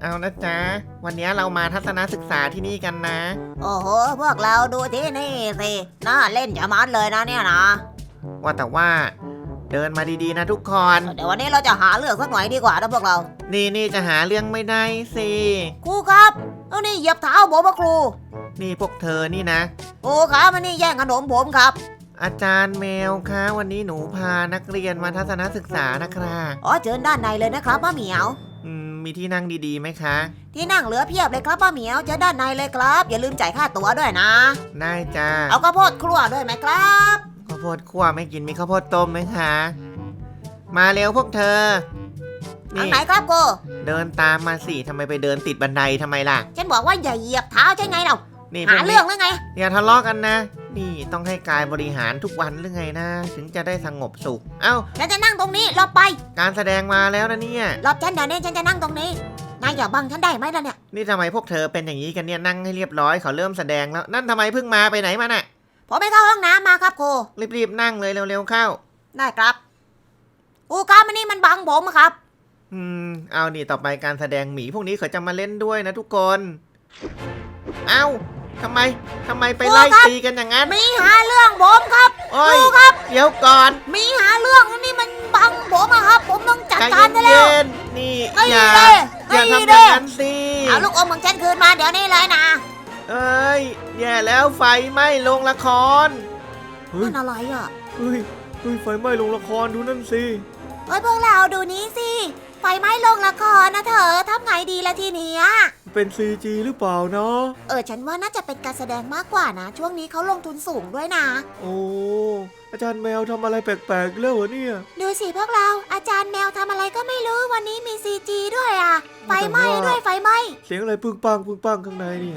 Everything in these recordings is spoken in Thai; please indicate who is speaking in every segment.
Speaker 1: เอานะจ๊ะวันนี้เรามาทัศนศึกษาที่นี่กันนะ
Speaker 2: โอ้โหพวกเราดูที่นี่สิน่าเล่นจะมัดเลยนะเนี่ยนะ
Speaker 1: ว่าแต่ว่าเดินมาดีๆนะทุกคน
Speaker 2: เดี๋ยววันนี้เราจะหาเรื่องสักหน่อยดีกว่านะพวกเรา
Speaker 1: นี่จะหาเรื่องไม่ได้สิ
Speaker 2: ครูครับเอานี่เหยียบเท้าผมมาครู
Speaker 1: นี่พวกเธอนี่นะ
Speaker 2: ครูครับมันนี่แย่งขนมผมครับ
Speaker 1: อาจารย์แมวคะวันนี้หนูพานักเรียนมาทัศนศึกษานะครับ
Speaker 2: อ๋อเชิญด้านในเลยนะครับป้าเหมียว
Speaker 1: มีที่นั่งดีๆไหมคะ
Speaker 2: ที่นั่งเหลือเพียบเลยครับป้าเหมียวเชิญด้านในเลยครับอย่าลืมจ่ายค่าตั๋วด้วยนะ
Speaker 1: ได้จ้า
Speaker 2: เอาข้าวโพดครัวด้วยไหมครับ
Speaker 1: ข้าวโพดคั่วไม่กินมีข้าวโพดต้มไหมคะ มาเร็วพวกเธอ
Speaker 2: ทางไหนครับครู
Speaker 1: เดินตามมาสิทำไมไปเดินติดบันไดทำไมล่ะ
Speaker 2: ฉันบอกว่าอย่าเหยียบเท้าใช่ไงเรา
Speaker 1: นี่พ
Speaker 2: หาว
Speaker 1: ก
Speaker 2: เรื่องหรือไง
Speaker 1: อย่าทะเลาะกันนะ นี่ต้องให้กายบริหารทุกวันหรือไงนะ ถึงจะได้สงบสุข เอ้า
Speaker 2: ฉันจะนั่งตรงนี้รอไป
Speaker 1: การแสดงมาแล้วนะเนี่ย
Speaker 2: รอฉันเดี๋ยวนี้ฉันจะนั่งตรงนี้นายอย่าบังฉันได้ไหมล่ะเนี่ย
Speaker 1: นี่ทำไมพวกเธอเป็นอย่างนี้กันเนี่ยนั่งให้เรียบร้อยเขาเริ่มแสดงแล้ว นั่นทำไมเพิ่งมาไปไหนมาน่ะ
Speaker 2: ผมไปเข้าห้องน้ำมาครับครู
Speaker 1: รีบๆนั่งเลยเร็วๆเข้า
Speaker 2: ได้ครับครูครับมันนี่มันบังผมครับ
Speaker 1: เอานี่ต่อไปการแสดงหมีพวกนี้เขาจะมาเล่นด้วยนะทุกคน เอ้าทำไมไปไล่ตีกันอย่างนั้น
Speaker 2: มีหาเรื่องผมครับ
Speaker 1: โอ้
Speaker 2: ค
Speaker 1: ย
Speaker 2: รูครับ
Speaker 1: เดี๋ยวก่อน
Speaker 2: มีหาเรื่องนี่มันบังผมอะครับ ผมต้องจัด
Speaker 1: ใจ
Speaker 2: การซะแล้ว
Speaker 1: เย็นๆนี่
Speaker 2: ไม่
Speaker 1: อย่า
Speaker 2: เด้
Speaker 1: อย่า
Speaker 2: ไม่
Speaker 1: ทำอ
Speaker 2: เด้
Speaker 1: ย่างนั้นสิ
Speaker 2: เอาลูกอมของฉันคืนมาเดี๋ยวนี้เลยนะ
Speaker 1: เอ้ยแย่แล้วไฟไหม้โรงละคร
Speaker 2: นั่นอะไรอ่ะ
Speaker 1: เฮ้ยไฟไหม้โรงละครดูนั่นสิ
Speaker 2: เฮ้ยพวกเราดูนี้สิไฟไหม้โรงละครนะเธอทำไงดีละทีเนี้ย
Speaker 1: เป็น CG หรือเปล่าเนาะ
Speaker 2: ฉันว่าน่าจะเป็นการแสดงมากกว่านะ ช่วงนี้เขาลงทุนสูงด้วยนะ
Speaker 1: โอ้อาจารย์แมวทำอะไรแปลกๆแล้วเหรอเนี่ย
Speaker 2: ดูสิพวกเราอาจารย์แมวทำอะไรก็ไม่รู้วันนี้มีซีจีด้วยอ่ะไฟไหม้ด้วยไฟไหม้
Speaker 1: เสียงอะไรปึ้งปังข้างในเนี่ย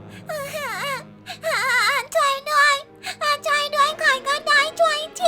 Speaker 2: ช่วยด้วยช่วยด้วยใครก็ได้ช่วยที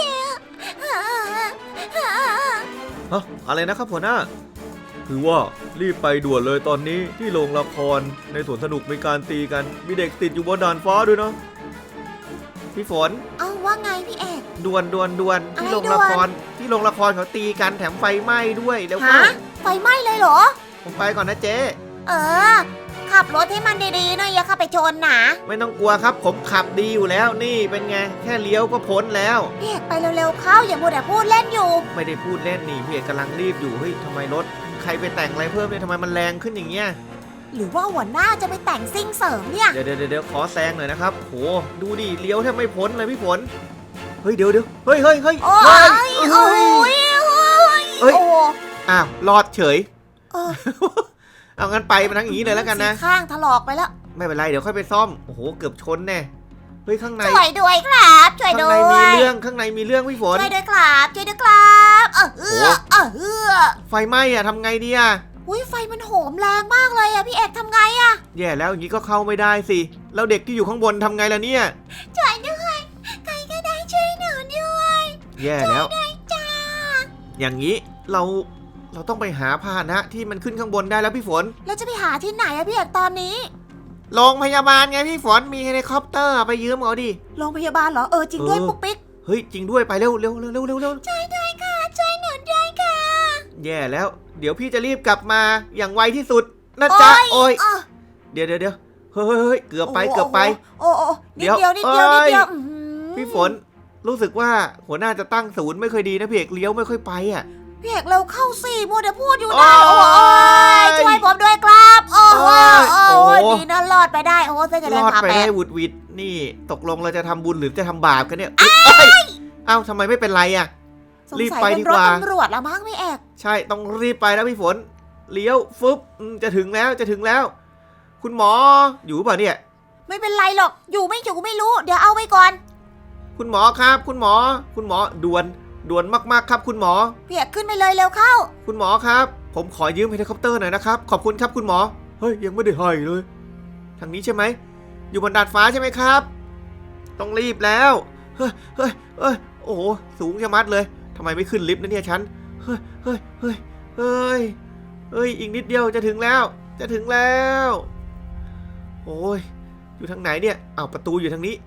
Speaker 1: ฮะอะไรนะครับหัวหน้าคือว่ารีบไปด่วนเลยตอนนี้ที่โรงละครในสวนสนุกมีการตีกันมีเด็กติดอยู่บนดาดฟ้าด้วยเนาะพี่ฝน
Speaker 2: เอาว่าไงพี่เอก
Speaker 1: ด่วนที่โรงละครเขาตีกันแถมไฟไหม้ด้วยแล้วก็
Speaker 2: ฮะไฟไหม้เลยเหรอ
Speaker 1: ผมไปก่อนนะเจ๊
Speaker 2: ขับรถให้มันดีๆหน่อยอย่าเข้าไปชนนะ
Speaker 1: ไม่ต้องกลัวครับผมขับดีอยู่แล้วนี่เป็นไงแค่เลี้ยวก็พ้นแล้ว
Speaker 2: พี่เอกไปเร็วๆเข้าอย่ามัวแต่พูดเล่นอยู่
Speaker 1: ไม่ได้พูดเล่นนี่พี่เอกกำลังรีบอยู่เฮ้ยทำไมรถใครไปแต่งอะไรเพิ่มเนี่ยทำไมมันแรงขึ้นอย่างเงี้ย
Speaker 2: หรือว่าหัวหน้าจะไปแต่งซิ่งเสริมเนี่ย
Speaker 1: เดี๋ยวขอแซงหน่อยนะครับโหดูดิเลี้ยวแทบไม่พ้นเลยพี่ฝนเฮ้ยเดี๋ยวเฮ้ย
Speaker 2: โอ้ยโอ้ย
Speaker 1: อ้าวรอดเฉย
Speaker 2: เออ
Speaker 1: เอางั้นไปมันทั้งอย่างนี้เลยแล้วกันนะ
Speaker 2: ข้างถลอกไปแล้ว
Speaker 1: ไม่เป็นไรเดี๋ยวค่อยไปซ่อมโอ้โหเกือบชนแน่เฮ้ยข้างใน
Speaker 2: ช่วยด้วยครับช่วย
Speaker 1: ข้าง
Speaker 2: ด้
Speaker 1: ใน
Speaker 2: วย
Speaker 1: มีเรื่องพี่ฝน
Speaker 2: ช่วยด้วยครับช่วยด้วยครับ
Speaker 1: ไฟไหม้อะทำไงดีอะ
Speaker 2: อุ้ยไฟมันโหมแรงมากเลยอะพี่เอกทำไงอะ
Speaker 1: แย่แล้วอย่างนี้ก็เข้าไม่ได้สิแล้วเด็กที่อยู่ข้างบนทำไงล่ะเนี่ย
Speaker 2: ช่วยด้วยใครก็ได้ช่วยหนูด้วย
Speaker 1: แย่แล้ว
Speaker 2: จ้า
Speaker 1: อย่างนี้เราต้องไปหาพาหนะที่มันขึ้นข้างบนได้แล้วพี่ฝน
Speaker 2: เราจะไปหาที่ไหนอะพี่เอกตอนนี้
Speaker 1: โรงพยาบาลไงพี่ฝนมีเฮลิคอปเตอร์ไปยืมเอาดิ
Speaker 2: โรงพยาบาลเหรอจริงด้วยปุ๊กปิ๊ก
Speaker 1: เฮ้ยจริงด้วยไปเร็ว
Speaker 2: ช่วยด้วยค่ะช่วยหนูด้วยค่ะ
Speaker 1: แย่แล้วเดี๋ยวพี่จะรีบกลับมาอย่างไวที่สุดนะจ๊ะโอ้ยเดี๋ยวเฮ้ยเกือบไป
Speaker 2: โอ้นิดเดียว
Speaker 1: พี่ฝนรู้สึกว่าหัวหน้าจะตั้งศูนย์ไม่ค่อยดีนะพี่เอกเลี้ยวไม่ค่อยไปอ่ะ
Speaker 2: พี่เอกเราเข้าสี่มัวแต่พูดอยู่ได้โอ้ยช่วยผมด้วยครับโอ้ยดีนะรอดไปได้โอ้เส้นจะ
Speaker 1: ร
Speaker 2: เดิน
Speaker 1: อด
Speaker 2: ผ่า
Speaker 1: ไป
Speaker 2: แป
Speaker 1: ได้
Speaker 2: ด
Speaker 1: วุดวิดนี่ตกลงเราจะทำบุญหรือจะทำบาปกันเนี่ยเอ้าทำไมไม่เป็นไรอ่ะ รีบไปดีกว่า
Speaker 2: สงสัยเป็นรถตำรวจละมั้งพี่เอก
Speaker 1: ใช่ต้องรีบไปแล้วพี่ฝนเลี้ยวฟึบจะถึงแล้วคุณหมออยู่ป่ะเนี่ย
Speaker 2: ไม่เป็นไรหรอกอยู่ไม่รู้เดี๋ยวเอาไว้ก่อน
Speaker 1: คุณหมอครับคุณหมอด่วนมากๆครับคุณหมอ
Speaker 2: พี่เอกขึ้นไปเลยเร็วเข้า
Speaker 1: คุณหมอครับผมขอยืมเฮลิคอปเตอร์หน่อยนะครับขอบคุณครับคุณหมอเฮ้ยยังไม่ได้ให้เลยทางนี้ใช่ไหมอยู่บนดาดฟ้าใช่ไหมครับต้องรีบแล้วเฮ้ยโอ้โหสูงชะมัดเลยทำไมไม่ขึ้นลิฟต์นะเนี่ยฉันเฮ้ยอีกนิดเดียวจะถึงแล้วโอ้ยอยู่ทางไหนเนี่ยอ้าวประตูอยู่ทางนี้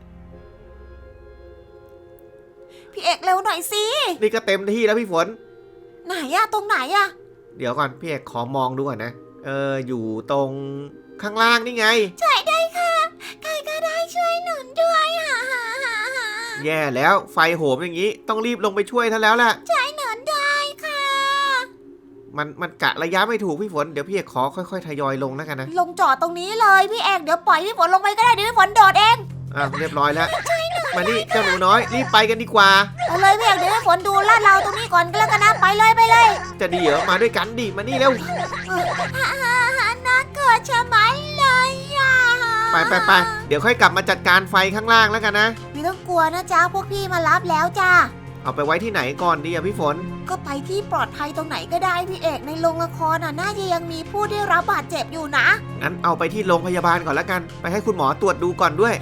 Speaker 2: พี่เอกเร็วหน่อยสิ
Speaker 1: นี่ก็เต็มที่แล้วพี่ฝน
Speaker 2: ไหนอะตรงไหนอะ
Speaker 1: เดี๋ยวก่อนพี่เอกขอมองดูก่อนนะอยู่ตรงข้างล่างนี่ไง
Speaker 2: ช่วยด้วยค่ะใครก็ได้ช่วยหนุนด้วยค่ะ
Speaker 1: แย่แล้วไฟโหมอย่างนี้ต้องรีบลงไปช่วยท่านแล้วแหละ
Speaker 2: ช่วยหนุนด้วยค่ะ
Speaker 1: มันกะระยะไม่ถูกพี่ฝนเดี๋ยวพี่เอกขอค่อยๆทยอยลงแล้วกันนะ
Speaker 2: ลงจอดตรงนี้เลยพี่เอกเดี๋ยวปล่อยพี่ฝนลงไปก็ได้เดี๋ยวพี่ฝนโดดเอง
Speaker 1: เรียบร้อยแล้วมานี่เจ้าหนูน้อยรีบไปกันดีกว่า
Speaker 2: เอาเลยพี่เอกเดี๋ยวพี่ฝนดูลาดเราตรงนี้ก่อนก็แล้วกันนะไปเลยไปเลย
Speaker 1: จะดีเหรอมาด้วยกันดิมานี่เร็ว
Speaker 2: น่าเกิดชะมัดเลยอ่ะ
Speaker 1: ไปเดี๋ยวค่อยกลับมาจัดการไฟข้างล่างแล้วกันนะ
Speaker 2: ไม่ต้องกลัวนะจ๊ะพวกพี่มารับแล้วจ้า
Speaker 1: เอาไปไว้ที่ไหนก่อนดีอะพี่ฝน
Speaker 2: ก็ไปที่ปลอดภัยตรงไหนก็ได้พี่เอกในโรงละครน่ะน่าจะยังมีผู้ได้รับบาดเจ็บอยู่นะ
Speaker 1: งั้นเอาไปที่โรงพยาบาลก่อนแล้วกัน ไปให้คุณหมอตรวจดูก่อนด้วย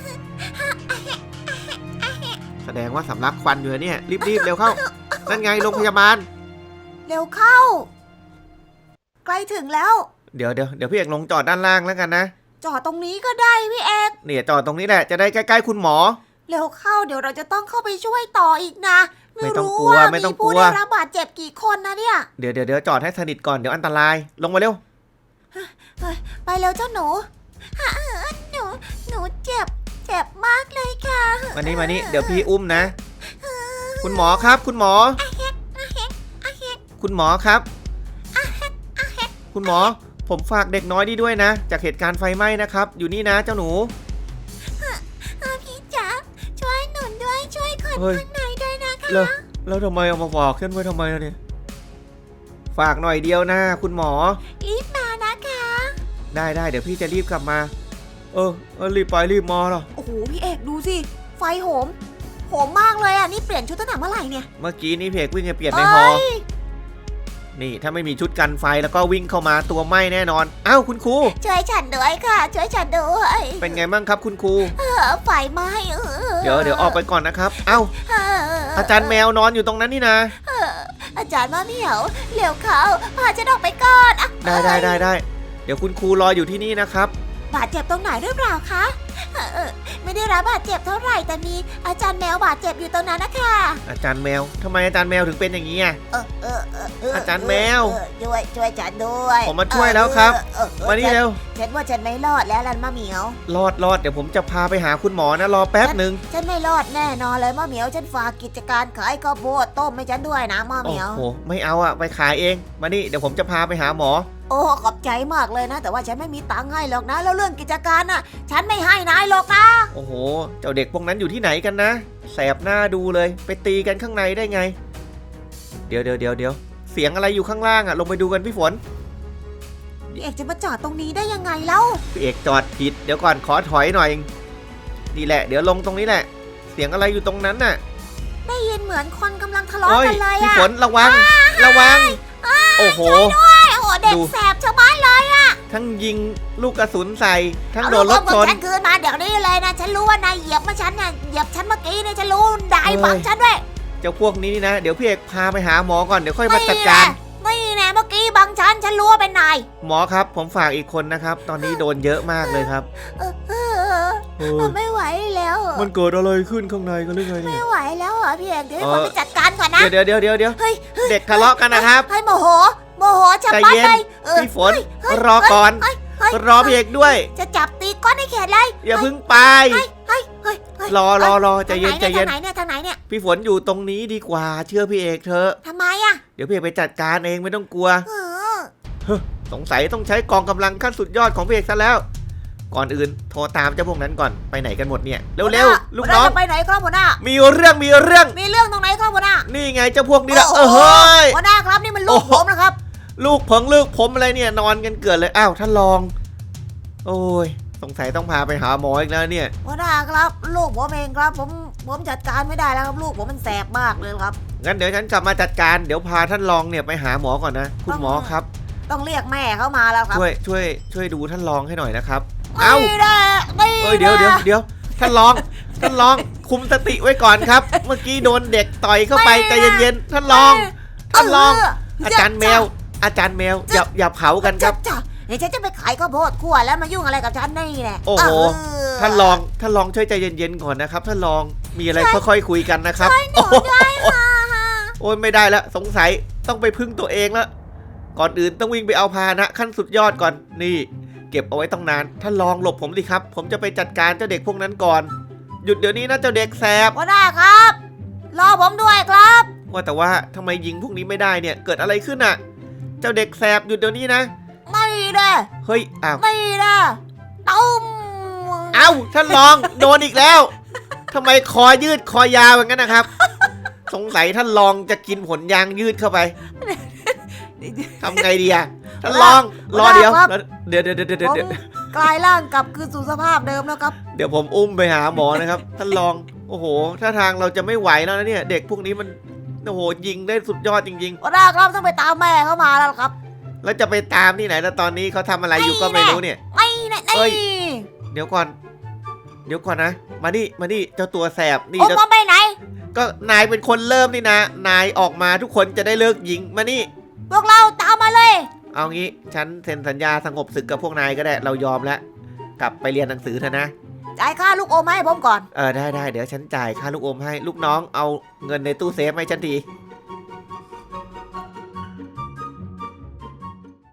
Speaker 1: แสดงว่าสำลักควันอยู่เนี่ยรีบเร็วเข้า นั่นไงโรงพยาบาล
Speaker 2: เร็วเข้าใกล้ถึงแล้ว
Speaker 1: เดี๋ยวพี่เอกลงจอดด้านล่างแล้วกันนะ
Speaker 2: จอดตรงนี้ก็ได้พี่เอก
Speaker 1: เนี่ยจอดตรงนี้แหละจะได้ใกล้ๆคุณหมอ
Speaker 2: เร็วเข้าเดี๋ยวเราจะต้องเข้าไปช่วยต่ออีกนะ
Speaker 1: ไม่ต้อง
Speaker 2: รู้
Speaker 1: กลัว
Speaker 2: ว่า
Speaker 1: ไม่ต้อง
Speaker 2: มี
Speaker 1: กลั
Speaker 2: ผู้
Speaker 1: ว
Speaker 2: ได้รับบาดเจ็บกี่คนนะเนี่ย
Speaker 1: เดี๋ยวจอดให้สนิทก่อนเดี๋ยวอันตรายลงมาเร็ว
Speaker 2: ไปเร็วเจ้าหนูหนูเจ็บมากเลยค่ะ
Speaker 1: มานี่เดี๋ยวพี่อุ้มนะ คุณหมอครับ คุณหมอ คุณหมอครับ คุณหมอผมฝากเด็กน้อยนี่ด้วยนะ จากเหตุการณ์ไฟไหม้นะครับ อยู่นี่นะเจ้าหนู
Speaker 2: พี่จ๋าช่วยหนุนด้วยช่วยคน
Speaker 1: เฮ้ย
Speaker 2: ข้างในด้วยนะคะ
Speaker 1: แล้วทำไมเอามาฝากขึ้นไว้ทำไมล่ะเนี่ยฝากหน่อยเดียวนะคุณหมอ
Speaker 2: รีบมานะคะ
Speaker 1: ได้เดี๋ยวพี่จะรีบกลับมารีบไปรีบมาหรอ
Speaker 2: โอ้โหพี่เอกดูสิไฟโหมมากเลยอ่ะนี่เปลี่ยนชุดตั้งแต่เมื่อไหร่เนี่ย
Speaker 1: เมื่อกี้นี่เพกวิ่งไปเปลี่ยนในฮอ นี่ถ้าไม่มีชุดกันไฟแล้วก็วิ่งเข้ามาตัวไหม้แน่นอนอ้าวคุณครู
Speaker 2: ช่วยฉันด้วยค่ะช่วยฉันด้วย
Speaker 1: เป็นไงบ้างครับคุณครู
Speaker 2: ไฟไหม้
Speaker 1: เดี๋ยวออกไปก่อนนะครับเอ้าอาจารย์แมวนอนอยู่ตรงนั้นนี่นะ
Speaker 2: อาจารย์มะเหมียวเร็วเขาพาฉันออกไปก่อนอะ
Speaker 1: ได้เดี๋ยวคุณครูรออยู่ที่นี่นะครับ
Speaker 2: บาดเจ็บตรงไหนหรือเปล่าคะไม่ได้รับบาดเจ็บเท่าไหร่แต่มีอาจารย์แมวบาดเจ็บอยู่ตรงนั้นนะคะ
Speaker 1: อาจารย์แมวทำไมอาจารย์แมวถึงเป็นอย่างนี้อ่ะ อาจารย์แมว
Speaker 2: ช่วยฉันด้วย
Speaker 1: ผมมาช่วยแล้วครับมานี่เร็ว
Speaker 2: ฉันว่าฉันไม่รอดแล้วลันมะเหมียว
Speaker 1: รอดเดี๋ยวผมจะพาไปหาคุณหมอนะรอแป๊บหนึ่ง
Speaker 2: ฉันไม่รอดแน่นอนเลยมะเหมียวฉันฝากกิจการขายข้าวโพดต้มให้ฉันด้วยนะมะเห
Speaker 1: โอ้
Speaker 2: มียว
Speaker 1: โหไม่เอาอะไปขายเองมานี่เดี๋ยวผมจะพาไปหาหมอ
Speaker 2: โอ้ขอบใจมากเลยนะ แต่ว่าฉันไม่มีตังค์ให้หรอกนะ แล้วเรื่องกิจการน่ะ ฉันไม่ให้นายหรอกนะ
Speaker 1: โอ้โหเจ้าเด็กพวกนั้นอยู่ที่ไหนกันนะแสบหน้าดูเลยไปตีกันข้างในได้ไง เดี๋ยวเสียงอะไรอยู่ข้างล่างอะลงไปดูกันพี่ฝน
Speaker 2: พี่เอกจะมาจอดตรงนี้ได้ยังไงเล่า
Speaker 1: พี่เอกจอดผิดเดี๋ยวก่อนขอถอยหน่อยนี่แหละเดี๋ยวลงตรงนี้แหละ เสียงอะไรอยู่ตรงนั้นน่ะ
Speaker 2: ได้ยินเหมือนคนกำลังทะเลาะ
Speaker 1: โอ้ย
Speaker 2: กันเลย
Speaker 1: พี่
Speaker 2: อะ
Speaker 1: ฝนระวังโอ้โห
Speaker 2: โอ้โหเด็ก
Speaker 1: ดู
Speaker 2: แสบชะมัดเลย
Speaker 1: ทั้งยิงลูกกระสุนใส่ทั้ง
Speaker 2: เอา
Speaker 1: โด
Speaker 2: ลู
Speaker 1: น
Speaker 2: ก
Speaker 1: ร
Speaker 2: อ
Speaker 1: ถ
Speaker 2: มของ
Speaker 1: ชน
Speaker 2: ฉันคืนมาเดี๋ยวนี้เลยนะฉันรู้ว่านายเหยียบมาฉันเนี่ยเหยียบฉันเมื่อกี้เนี่ยฉันรู้ได้บังฉันด้วย
Speaker 1: เจ้าพวกนี้นี่นะเดี๋ยวพี่เอกพาไปหาหมอก่อนเดี๋ยวค่อยมาจัดการ
Speaker 2: นี่แน่เมื่อกี้บังฉันรู้ว่าเป็นนาย
Speaker 1: หมอครับผมฝากอีกคนนะครับ ตอนนี้โดนเยอะมากเลยครับ
Speaker 2: ไม่ไหวแล้ว
Speaker 1: มันเกิดอะไรขึ้นข้างในกันหรือไงเนี่
Speaker 2: ไม่
Speaker 1: ย
Speaker 2: ไหวแล้วเหรอพี่เอกเดี๋ยวให้คนไปจัดการก่อนนะ
Speaker 1: เดี๋ยว
Speaker 2: เฮ้ย
Speaker 1: เด็กทะเลาะกันนะครับ
Speaker 2: ให้โมโหชะ
Speaker 1: ใจ
Speaker 2: มัด
Speaker 1: เย็น
Speaker 2: เลย
Speaker 1: พี่ฝนรอก่อนรอพี่เอกด้วย
Speaker 2: จะจับตีก้อนให้เขตเลย
Speaker 1: อย่าเพึ่งไป
Speaker 2: เฮ้ย
Speaker 1: รอใจเย็น
Speaker 2: ทางไหนเนี่ย
Speaker 1: พี่ฝนอยู่ตรงนี้ดีกว่าเชื่อพี่เอกเถอะ
Speaker 2: ทำไมอะ
Speaker 1: เดี๋ยวพี่เอกไปจัดการเองไม่ต้องกลัว
Speaker 2: เออ
Speaker 1: สงสัยต้องใช้กองกำลังขั้นสุดยอดของพี่เอกซะแล้ว ก่อนอื่นโทรตามเจ้าพวกนั้นก่อนไปไหนกันหมดเนี่ยเร็วๆลูกน้อง
Speaker 2: จะไปไหนครับหัวหน้า
Speaker 1: มีเรื่อง
Speaker 2: มีเรื่องตรงไหนครับหัวหน้า
Speaker 1: นี่ไงเจ้าพวกนี้ละ
Speaker 2: โอ้โห
Speaker 1: เฮ้ย
Speaker 2: หัวหน้าครับนี่มันลูกผมนะครับ
Speaker 1: ลูกผมอะไรเนี่ยนอนกันเกิดเลยอ้าวท่านรอง โอ้ยสงสัยต้องพาไปหาหมออีกแล้วเนี่ย
Speaker 2: หัวหน้าครับลูกผมเองครับผมจัดการไม่ได้แล้วครับลูกผมมันแสบมากเลยครับ
Speaker 1: งั้นเดี๋ยวฉันกลับมาจัดการเดี๋ยวพาท่านรองเนี่ยไปหาหมอก่อนนะคุณหมอครับ
Speaker 2: ต้องเรียกแม่เข้ามาแล้วครับ
Speaker 1: ช่วยดูท่านรองให้หน่อยนะครับ
Speaker 2: นี่แหละนี่
Speaker 1: เอ้ยเดี๋ยวท่านรองคุมสติไว้ก่อนครับ เมื่อกี้โดนเด็กต่อยเข้าไปใจเย็นๆท่านรองอาจารย์แมวอย่าเผากันครับ
Speaker 2: เดี๋ยวฉันจะไปขายข้าวโพดคั่วแล้วมายุ่งอะไรกับฉันนี่แหละ
Speaker 1: โอ้โหท่านรองช่วยใจเย็นๆก่อนนะครับท่านรองมีอะไรค่อยๆคุยกันนะครับโอ้ยไม่ได้แล้วสงสัยต้องไปพึ่งตัวเองแล้วก่อนอื่นต้องวิ่งไปเอาพาหนะขั้นสุดยอดก่อนนี่ เก็บเอาไว้ต้องนานท่านลองหลบผมดิครับผมจะไปจัดการเจ้าเด็กพวกนั้นก่อนหยุดเดี๋ยวนี้นะเจ้าเด็กแสบ
Speaker 2: หัวหน้าครับ รอผมด้วยครับ
Speaker 1: ว่าแต่ว่าทำไมยิงพวกนี้ไม่ได้เนี่ยเกิดอะไรขึ้นอ่ะ เจ้าเด็กแสบหยุดเดี๋ยวนี้นะ
Speaker 2: ไม่ได้
Speaker 1: เฮ้ยอ้าว
Speaker 2: ไม่ได้ตุ้ม
Speaker 1: เอ้าท่านลองโดนอีกแล้วทำไมคอยืดคอยาวอย่างนั้นนะครับ สงสัยท่านลองจะกินผลยางยืดเข้าไปทำไงดีอะท่านลองรอเดี๋ยวเดี๋ยว
Speaker 2: ผมกลายร่างกลับคืนสู่สภาพเดิมแล้วครับ
Speaker 1: เดี๋ยวผมอุ้มไปหาหมอนะครับท่านลองโอ้โหถ้าทางเราจะไม่ไหวแล้วนะเนี่ยเด็กพวกนี้มันโอ้โหยิงได้สุดยอดจริง
Speaker 2: หัวหน้าครับต้องไปตามแม่เขามาแล้วครับ
Speaker 1: ๆ แล้วจะไปตามที่ไหนแล้วตอนนี้เขาทำอะไรอยู่ก็ไม่รู้เนี่ย
Speaker 2: ไม่แน่
Speaker 1: เอ้ย เดี๋ยวก่อนนะมานี่เจ้าตัวแสบนี่
Speaker 2: ผม
Speaker 1: เจ้า
Speaker 2: มาไปไหน
Speaker 1: ก็นายเป็นคนเริ่มนี่นะนายออกมาทุกคนจะได้เลิกยิงมานี่
Speaker 2: พวกเราตามมาเลย
Speaker 1: เอางี้ฉันเซ็นสัญญาสงบศึกกับพวกนายก็ได้เรายอมแล้วกลับไปเรียนหนังสือเถอะนะ
Speaker 2: จ่ายค่าลูกอมให้ผมก่อน
Speaker 1: ได้เดี๋ยวฉันจ่ายค่าลูกอมให้ลูกน้องเอาเงินในตู้เซฟให้ฉันที